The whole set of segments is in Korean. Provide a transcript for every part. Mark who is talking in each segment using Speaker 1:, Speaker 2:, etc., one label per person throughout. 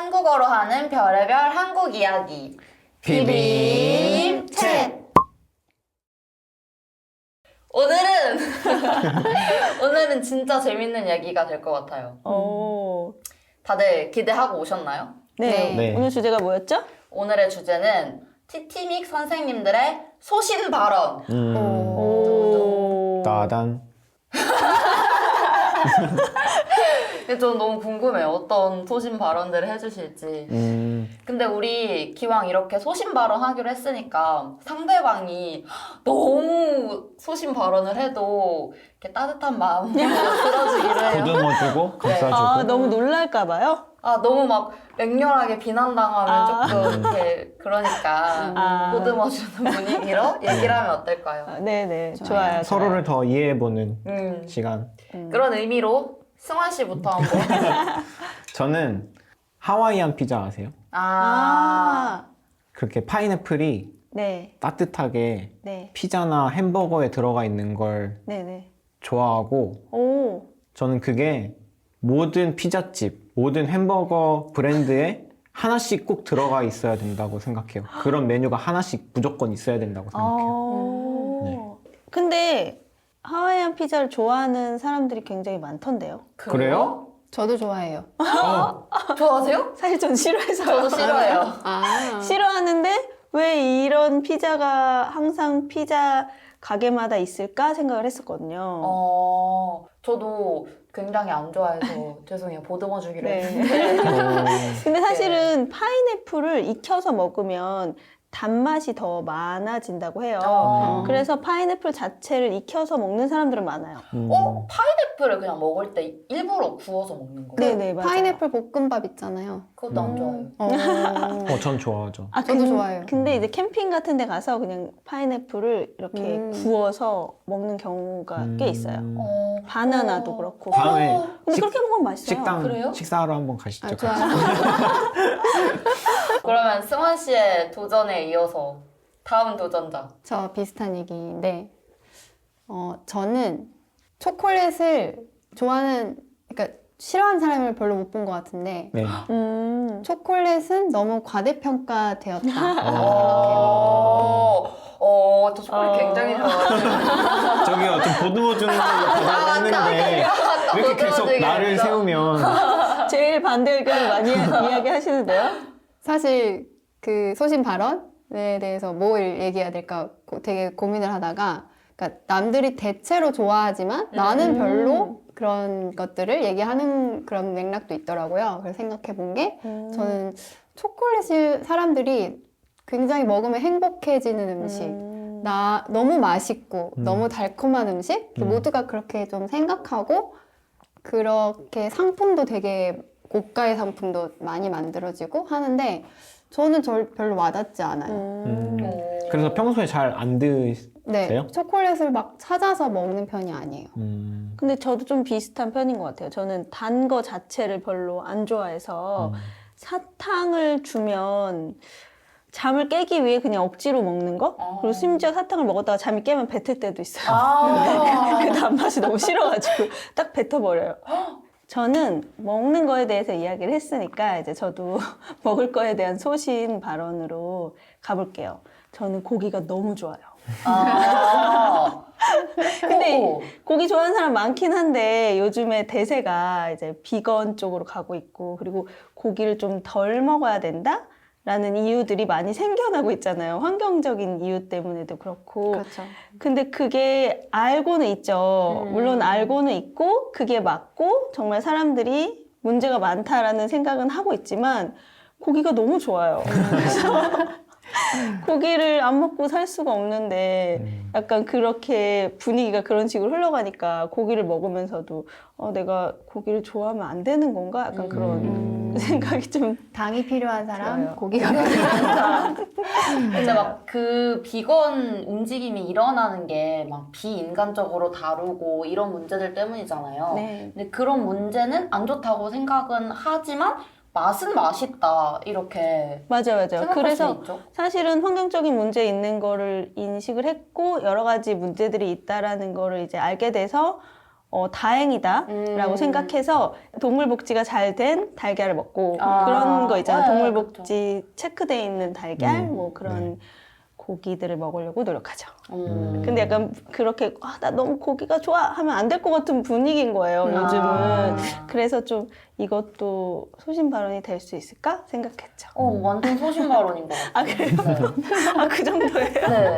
Speaker 1: 한국어로 하는 별의별 한국 이야기 비빔 챗. 오늘은 진짜 재밌는 얘기가 될 것 같아요. 다들 기대하고 오셨나요?
Speaker 2: 네.
Speaker 3: 네.
Speaker 2: 오늘 주제가 뭐였죠?
Speaker 1: 오늘의 주제는 티티믹 선생님들의 소신 발언.
Speaker 3: 따단.
Speaker 1: 저는 너무 궁금해요. 어떤 소신 발언들을 해주실지. 근데 우리 기왕 이렇게 소신 발언 하기로 했으니까 상대방이 너무 소신 발언을 해도 이렇게 따뜻한 마음으로 들어주기로 해요.
Speaker 3: 보듬어주고 감싸주고.
Speaker 2: 너무 놀랄까봐요?
Speaker 1: 너무 막 맹렬하게 비난당하면 조금 이렇게 그러니까 보듬어주는 분위기로 얘기를 하면 어떨까요?
Speaker 2: 네네. 좋아요.
Speaker 3: 서로를 더 이해해보는 시간.
Speaker 1: 그런 의미로 승환 씨부터 한번.
Speaker 3: 저는 하와이안 피자 아세요? 그렇게 파인애플이
Speaker 2: 네.
Speaker 3: 따뜻하게
Speaker 2: 네.
Speaker 3: 피자나 햄버거에 들어가 있는 걸
Speaker 2: 네네.
Speaker 3: 좋아하고, 저는 그게 모든 피자집, 모든 햄버거 브랜드에 하나씩 꼭 들어가 있어야 된다고 생각해요. 그런 메뉴가 하나씩 무조건 있어야 된다고 생각해요.
Speaker 2: 근데 하와이안 피자를 좋아하는 사람들이 굉장히 많던데요.
Speaker 3: 그래요?
Speaker 4: 저도 좋아해요.
Speaker 1: 좋아하세요?
Speaker 2: 사실 전 싫어해서요.
Speaker 1: 저도 싫어해요.
Speaker 2: 싫어하는데 왜 이런 피자가 항상 피자 가게마다 있을까 생각을 했었거든요.
Speaker 1: 저도 굉장히 안 좋아해서 죄송해요. 보듬어 주기로
Speaker 2: 네.
Speaker 1: 했는데.
Speaker 2: 근데 사실은 파인애플을 익혀서 먹으면 단맛이 더 많아진다고 해요. 그래서 파인애플 자체를 익혀서 먹는 사람들은 많아요.
Speaker 1: 파인애플을 그냥 먹을 때 일부러 구워서 먹는 거예요?
Speaker 2: 네네, 맞아요.
Speaker 4: 파인애플 볶음밥 있잖아요.
Speaker 1: 그것도 안 좋아해요.
Speaker 3: 전 좋아하죠.
Speaker 4: 저도 좋아해요.
Speaker 2: 근데 이제 캠핑 같은 데 가서 그냥 파인애플을 이렇게 구워서 먹는 경우가 꽤 있어요. 바나나도 그렇고.
Speaker 3: 다음에
Speaker 2: 근데 그렇게 먹으면 맛있어요.
Speaker 1: 그래요?
Speaker 3: 식사하러 한번 가시죠.
Speaker 4: 좋아요.
Speaker 1: 그러면 승환 씨의 도전에 이어서 다음 도전자.
Speaker 4: 저 비슷한 얘기인데, 저는 초콜릿을 좋아하는, 그러니까 싫어하는 사람을 별로 못 본 것 같은데,
Speaker 3: 네.
Speaker 4: 초콜릿은 너무 과대평가되었다.
Speaker 1: 저 초콜릿 굉장히 좋아해요.
Speaker 3: 저기요, 좀 보듬어주는 걸로 받아냈는데 왜 이렇게 계속 나를 세우면.
Speaker 2: 제일 반대 의견을 많이 이야기하시는데요?
Speaker 4: 사실 그 소신 발언에 대해서 뭘 얘기해야 될까 되게 고민을 하다가, 그러니까 남들이 대체로 좋아하지만 나는 별로 그런 것들을 얘기하는 그런 맥락도 있더라고요. 그래서 생각해 본 게 저는 초콜릿을 사람들이 굉장히 먹으면 행복해지는 음식, 너무 맛있고 너무 달콤한 음식, 모두가 그렇게 좀 생각하고 그렇게 상품도 되게 고가의 상품도 많이 만들어지고 하는데 저는 별로 와닿지 않아요.
Speaker 3: 그래서 평소에 잘 안 드세요?
Speaker 4: 네, 초콜릿을 막 찾아서 먹는 편이 아니에요.
Speaker 2: 근데 저도 좀 비슷한 편인 것 같아요. 저는 단 거 자체를 별로 안 좋아해서 사탕을 주면 잠을 깨기 위해 그냥 억지로 먹는 거? 그리고 심지어 사탕을 먹었다가 잠이 깨면 뱉을 때도 있어요. 그 단맛이 너무 싫어가지고 딱 뱉어버려요. 저는 먹는 거에 대해서 이야기를 했으니까 이제 저도 먹을 거에 대한 소신 발언으로 가볼게요. 저는 고기가 너무 좋아요. 근데 고기 좋아하는 사람 많긴 한데 요즘에 대세가 이제 비건 쪽으로 가고 있고 그리고 고기를 좀 덜 먹어야 된다? 라는 이유들이 많이 생겨나고 있잖아요. 환경적인 이유 때문에도 그렇고.
Speaker 4: 그렇죠.
Speaker 2: 근데 그게 알고는 있죠. 물론 알고는 있고 그게 맞고 정말 사람들이 문제가 많다라는 생각은 하고 있지만 고기가 너무 좋아요. 그래서 고기를 안 먹고 살 수가 없는데 약간 그렇게 분위기가 그런 식으로 흘러가니까 고기를 먹으면서도 내가 고기를 좋아하면 안 되는 건가? 약간 그런 생각이 좀
Speaker 4: 당이 필요한 사람,
Speaker 2: 좋아요.
Speaker 4: 고기가 필요한 사람.
Speaker 1: 근데 막 그 비건 움직임이 일어나는 게 막 비인간적으로 다루고 이런 문제들 때문이잖아요.
Speaker 2: 네.
Speaker 1: 근데 그런 문제는 안 좋다고 생각은 하지만 맛은 맛있다 이렇게
Speaker 2: 맞아요.
Speaker 1: 생각할
Speaker 2: 그래서
Speaker 1: 수 있죠.
Speaker 2: 사실은 환경적인 문제 있는 거를 인식을 했고 여러 가지 문제들이 있다라는 거를 이제 알게 돼서 다행이다라고 생각해서 동물 복지가 잘 된 달걀을 먹고
Speaker 1: 아,
Speaker 2: 그런 거 있잖아요.
Speaker 1: 네,
Speaker 2: 동물 복지 체크돼 있는 달걀 뭐 그런
Speaker 3: 네.
Speaker 2: 고기들을 먹으려고 노력하죠.
Speaker 1: 음.
Speaker 2: 근데 약간 그렇게 나 너무 고기가 좋아 하면 안 될 것 같은 분위기인 거예요. 요즘은.
Speaker 1: 아.
Speaker 2: 그래서 좀 이것도 소신 발언이 될 수 있을까 생각했죠.
Speaker 1: 완전 소신 발언인 것 같아요.
Speaker 2: 아 그래요? 아 그 정도예요?
Speaker 1: 네.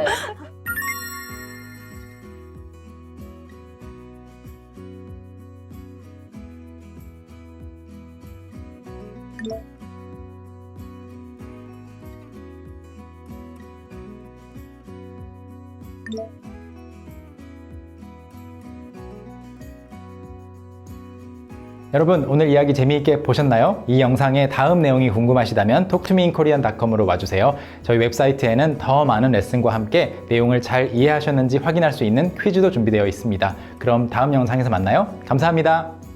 Speaker 5: 여러분 오늘 이야기 재미있게 보셨나요? 이 영상의 다음 내용이 궁금하시다면 talktome인korean.com으로 와주세요. 저희 웹사이트에는 더 많은 레슨과 함께 내용을 잘 이해하셨는지 확인할 수 있는 퀴즈도 준비되어 있습니다. 그럼 다음 영상에서 만나요. 감사합니다.